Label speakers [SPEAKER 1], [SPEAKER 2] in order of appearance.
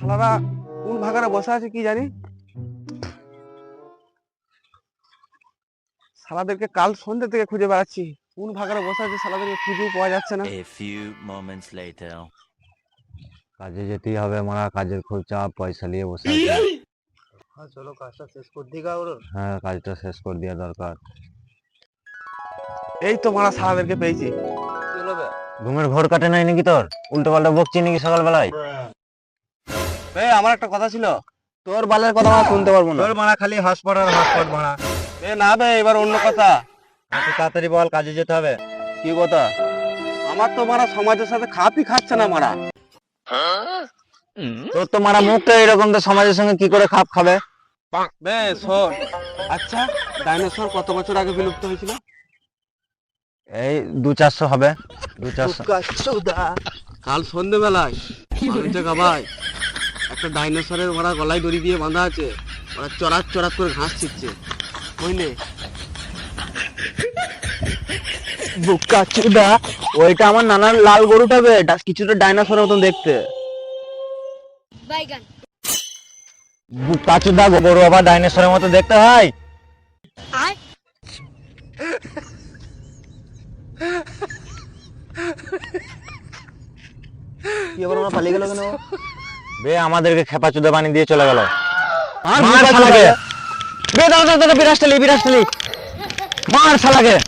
[SPEAKER 1] শালারা কোন ভাগারে বসে আছে কি জানি। শালাদেরকে কাল সন্ধ্যে থেকে খুঁজে বেড়াচ্ছি, কোন ভাগারে বসে আছে শালাদেরকে খুঁজেও পাওয়া যাচ্ছে না।
[SPEAKER 2] A few moments later.
[SPEAKER 3] কাজে যেতেই হবে, মারা কাজের খুব চাপ, পয়সা নিয়ে বসে আছে।
[SPEAKER 4] হ্যাঁ চলো কাজটা শেষ করে দিই গা ওর।
[SPEAKER 3] হ্যাঁ, কাজটা শেষ করে দেওয়া দরকার।
[SPEAKER 1] এই তো মারা শালাদেরকে পেয়েছি।
[SPEAKER 4] কি হলো বে?
[SPEAKER 3] ঘুমের ঘোর কাটে নাই নাকি তোর? উল্টো পাল্টা বকছি নাকি সকালবেলায়?
[SPEAKER 1] আমার একটা কথা ছিল, তোর বালের কথা আমরা শুনতে পারবো না।
[SPEAKER 3] তোর মারা খালি হসপট আর হসপট মারা।
[SPEAKER 1] না বে, এবার অন্য কথা।
[SPEAKER 3] তুই তাড়াতাড়ি বল, কাজে যেতে হবে।
[SPEAKER 1] কি কথা? আমার তো মারা সমাজের সাথে খাপই খাচ্ছে না মারা।
[SPEAKER 3] তোর তো মারা মুখটা এরকম, তো সমাজের সঙ্গে কি করে খাপ খাবে?
[SPEAKER 1] বে শোন, আচ্ছা ডাইনোসর কত বছর আগে বিলুপ্ত হয়েছিল?
[SPEAKER 3] এই 200-400 হবে, 200-400।
[SPEAKER 1] কাল সন্ধ্যেবেলায় ভাই একটা ডাইনোসরের ওরা গলায় দড়ি দিয়ে বাঁধা আছে, ওরা চড়াত চড়াত করে ঘাস ছিটছে, বুঝলে?
[SPEAKER 4] বুকা চুদা, ওইটা আমার নানার লাল গরুটা বে, কিছুটা ডাইনোসরের মতন দেখতে।
[SPEAKER 5] বাইগান
[SPEAKER 3] বুকা চুদা, গরু আবার ডাইনোসরের মতো দেখতে হয়?
[SPEAKER 5] আয়
[SPEAKER 4] কি আবার আমরা পালিয়ে গেল কেন?
[SPEAKER 3] বে আমাদেরকে খেপা চুদা বানিয়ে দিয়ে চলে গেল।
[SPEAKER 4] আর
[SPEAKER 3] মার শালাকে। বে দাও দাও দাও, বিরাজ ঠেলি মার শালাকে।